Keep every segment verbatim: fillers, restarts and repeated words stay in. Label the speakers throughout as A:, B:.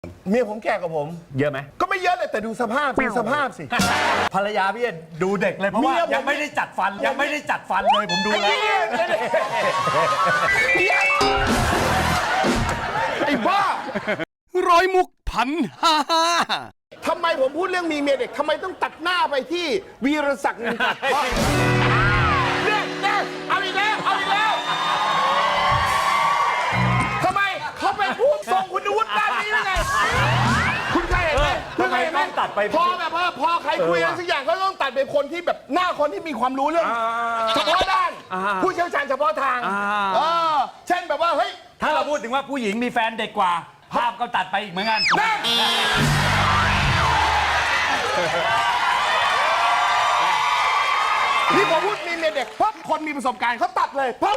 A: เมียผมแก่กว่าผม
B: เยอะไหม
A: ก็ไม่เยอะเลยแต่ดูสภาพดูสภาพสิ
B: ภรรยาพี่ดูเด็กเลยเพราะว่า
A: เมียผม
B: ยังไม่ได้จัดฟันยังไม่ได้จัดฟันเลยผมดูแล้ว
A: ไอ้บ้า
C: ร้อยมุกพันห้าห้า
A: ทำไมผมพูดเรื่องมีเมียเด็กทำไมต้องตัดหน้าไปที่วีรศักดิ์นินตัดเพราะเนี่ยเนี่ยเอาอีกแล้วเอาอีกแล้วทำไมเขาไปพูดทรงคุณวุฒิด้านนี้ได้ไงคุณเคยเห็นไหมคุณเคยเห็นไหมพอแบบว่าพอใครคุยอะไรสักอย่างก็ต้องตัดเป็นคนที่แบบหน้าคนที่มีความรู้เรื่องเฉพาะด้านผู้เชี่ยวชาญเฉพาะทางเออเช่นแบบว่าเฮ้ย
B: ถ้าเราพูดถึงว่าผู้หญิงมีแฟนเด็กกว่า ภาพก็ตัดไปอีกเหมือนกัน
A: นั่นนี่พอพูดมีเมียเด็กปั๊บคนมีประสบการณ์เขาตัดเลยปั๊บ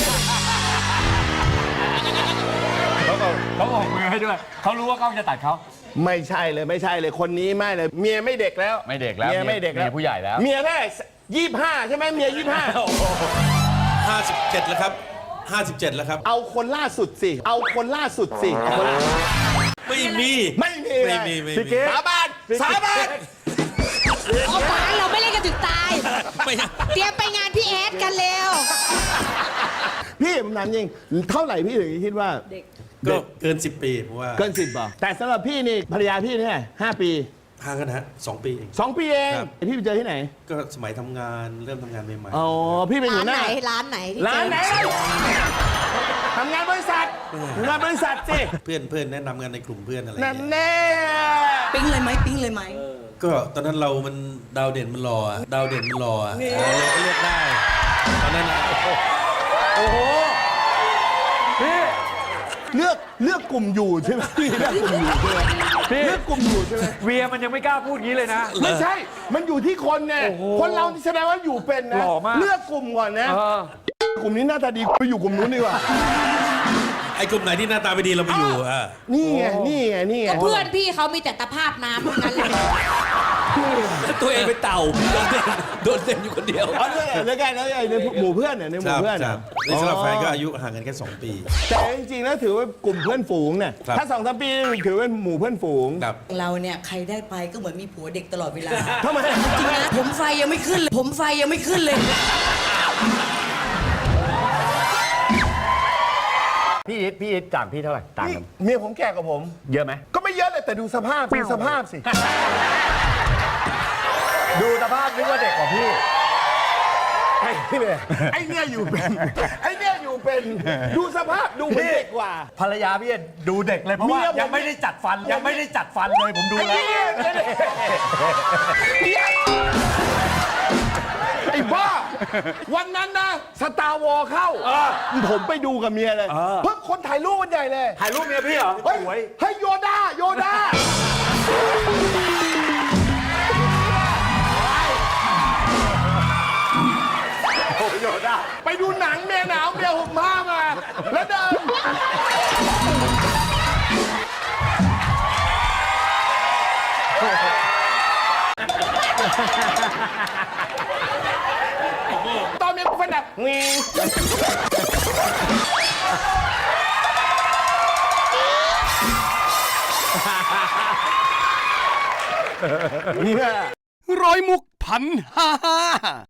B: เขาก็เขาบอกมือให้ด้วยเขารู้ว่ากล้องจะตัดเขา
A: ไม่ใช่เลยไม่ใช่เลยคนนี้ไม่เลย เมียไม่เด็กแล้ว
B: ไม่เด็กแล้ว
A: เมียไม่เด็กแล้ว
B: เมียผู้ใหญ่แล้ว
A: เมียแค่ยี่ห้าใช่ไหมเมียยี่ห้า
D: ห้าสิบเจ็ดแล้วครับห้าสิบเจ็ดแล้วครับ
A: เอาคนล่าสุดสิเอาคนล่าสุดสิเอาคนล่าสุด
D: ไม่มี
A: ไม่มี
D: ไม่มีไม่มี
A: สาบานสาบาน
E: โอ้ป๋าเราไม่เล่นกันถึงตาย
D: ไม่
E: เตรียมไปงานพี่แอดกันเร็ว
A: พี่ผมถามจริงเท่าไหร่พี่ถึงคิดว่า
D: ก็เกินสิบปีเพราะว่า
A: เกินสิบป่ะแต่สำหรับพี่นี่ภรรยาพี่เนี่ยห้าปี
D: ห่างกันนะฮะสองปีเอง
A: สองปีเอง
D: ครับ
A: พี่ไปเจอที่ไหน
D: ก็สมัยทำงานเริ่มทำงานใหม่
A: อ๋อพี่เป็นหั
E: ร้า
A: วน ห
E: ไหน
A: น้า
E: ร้านไหนที่
A: ร้านไหน
E: เจอ
A: ทำงานบริษัททำงานบริษัทสิ
D: ๆเพื่อนเพื่อนแนะนำกันในกลุ่มเพื่อนอะไร
A: นั่น
D: เงี้ย
A: แน่
E: ปิ๊งเลยไหมปิ๊งเลยไหม
D: ก็ตอนนั้นเรามันดาวเด่นมันรออะดาวเด่นมันรออะเราเลยก็เลือกได้ตอนนั้นอะ
B: โอ้โหพี่
A: เลือกเลือกกลุ่มอยู่ใช่ไหมพี่เลือกกลุ่มอยู่ใช่ไหม
B: พี่
A: เลือกกลุ่มอยู่ใช่ไหม
B: เวียมันยังไม่กล้าพูดงี้เลยนะ
A: ไม่ใช่ มันอยู่ที่คนไง
B: โอ้โห
A: คนเราแสดงว่าอยู่เป็นนะ
B: หล่อมาก
A: เลือกกลุ่มก่อนนะ
B: เออก
A: ลุ่มนี้หน้าตาดีไปอยู่กลุ่มนู้นดีกว่า
D: ไอ้กลุ่มไหนที่หน้าตาไม่ดีเราไปอยู่อ่ะ
A: นี่ไง นี่ไง นี่ไง
E: ก็เพื่อนพี่เขามีแต่ตะภาพน้ำทั้งนั้นเลย
D: ตัวเองเป็นเต่าโดนเด่นโดนเด่นอยู่คนเดียว
A: เอาเรื่องอะไรแล้วกันแล้วไอ้ในหมู่เพื่อนเนี่ยในห
D: ค
A: มู่
D: รับ
A: เพื่อน
D: ค
A: น่ะ
D: รับในสำหรับแฟนก็อายุห่างกันแค่สองปี
A: แต่จริงๆแล้วถือว่ากลุ่มเพื่อนฝูงเนี่ย
D: ครับ
A: ถ้าสองสามปีถือว่าหมู่เพื่อนฝูง
D: ครับ
F: เราเนี่ยใครได้ไปก็เหมือนมีผัวเด็กตลอดเวลา
A: ทำไม
F: จริงนะผมไฟยังไม่ขึ้นเลย ผมไฟยังไม่ขึ้นเลย
B: พี่อิทพี่อิทต่างพี่เท่าไหร่ต่าง
A: นี่
B: กัน
A: เมียผมแก่กว่าผม
B: เยอะไหม
A: ก็ไม่เยอะเลยแต่ดูสภาพดูสภาพสิ
B: ดูสภาพนึกว่าเด็กกว่าพี่
A: ไอ้เนี่ยไอ้เนี่ยอยู่เป็น ไอ้เนี่ยอยู่เป็น ดูสภาพดูเป็นเด็กกว่า
B: ภรรยาพี่ดูเด็กเลยเพราะว่า
A: เมียผม
B: ยังไม่ได้จัดฟันยังไม่ได้จัดฟันเลยผมดู
A: ไอ้
B: แล้ว
A: เนี่ยเนี่ยไอ้บ้า วันนั้นนะสตาร์วอลเข้า ผมไปดูกับเมียเลยเพิ่งคนถ่ายรูปมันใหญ่เลย
B: ถ่ายรูปเมียพี่เหรอ
A: เฮ้ย
B: สวย
A: เฮ้ยโยด้าโยด้าโยด้าไปดูหนังเมียหนาวเมียห่มผ้ามา แล้วเดินตอนเมียกูฟันดับงี เนี่ย
C: ร้อยมุกพันห้าห้า